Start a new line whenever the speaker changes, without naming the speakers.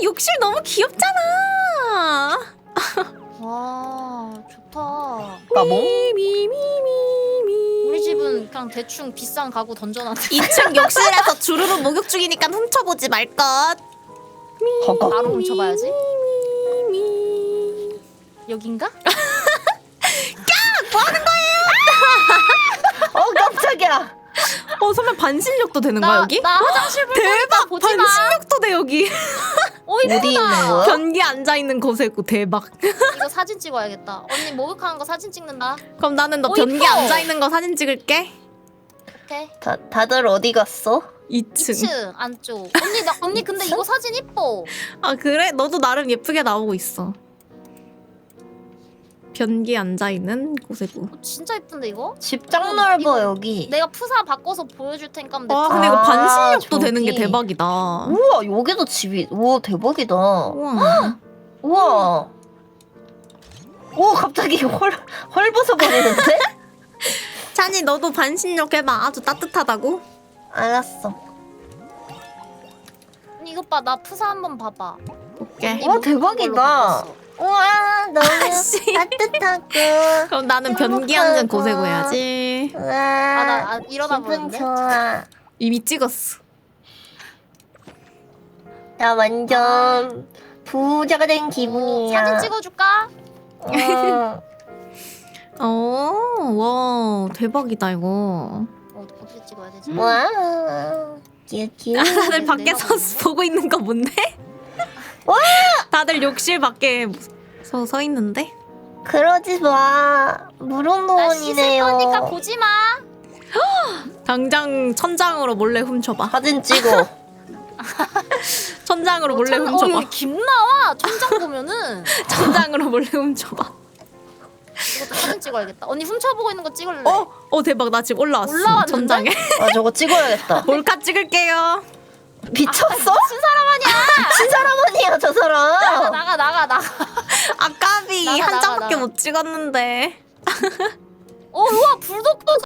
욕실 너무 귀엽잖아.
와 좋다.
까봉?
우리 집은 그냥 대충 비싼 가구 던져놨는데
2층 욕실에서 주르륵 목욕 중이니까 훔쳐보지 말것.
허걱.
바로 훔쳐봐야지. 여긴가?
깜짝이야.
설마 반신욕도 되는 거야 여기?
나 화장실 볼 거니까
대박!
보지 마.
반신욕도 돼 여기.
어디 있는 거야?
변기 앉아있는 곳에고 대박.
이거 사진 찍어야겠다. 언니 목욕하는 거 사진 찍는다.
그럼 나는 너
오,
변기
이뻐.
앉아있는 거 사진 찍을게.
오케이.
다들 어디 갔어?
2층.
2층 안쪽. 언니 근데 이거 사진 이뻐.
아 그래? 너도 나름 예쁘게 나오고 있어. 변기 앉아있는 곳에고.
진짜 이쁜데 이거?
집 짱 넓어
이거-
여기.
내가 푸사 바꿔서 보여줄 테니까 한번
와
냅둬.
근데 이거
아,
반신욕도 되는 게
저기.
대박이다.
우와 여기도 집이. 우와 대박이다.
우와.
우와. 오 갑자기 헐벗어 버리는데?
찬이 너도 반신욕 해봐. 아주 따뜻하다고.
알았어.
언니 이것 봐. 나 푸사 한번 봐봐.
오케이.
언니
와,
목욕한 걸로
대박이다.
바꿨어.
우와 너무
아씨.
따뜻하고.
그럼 나는 변기 앉은 곳에고 해야지.
우와.
일어나
기분
보는데?
좋아.
이미 찍었어.
나 완전 부자가 된 기분이야.
사진 찍어줄까?
어.
와 대박이다 이거.
어떻게 찍어야 되지?
와. 귀여워.
다들 밖에서 보고 있는 거 뭔데?
와!
다들 욕실 밖에 서 있는데?
그러지 마.
나 씻을
무릉도원이네요.
거니까 보지 마.
당장 천장으로 몰래 훔쳐봐.
사진 찍어.
천장으로 몰래 훔쳐봐.
여기 김 나와. 천장 보면은.
천장으로 몰래 훔쳐봐.
이것도 사진 찍어야겠다. 언니 훔쳐보고 있는 거 찍을래?
대박 나 지금 올라왔어.
올라왔는데?
천장에.
아 저거 찍어야겠다.
몰카 찍을게요.
미쳤어?
무슨 사람 아니야?
미친 사람 아니야 저 사람.
나가.
아까비
나가,
한
나가,
장밖에
나가.
못 찍었는데.
우와 불독도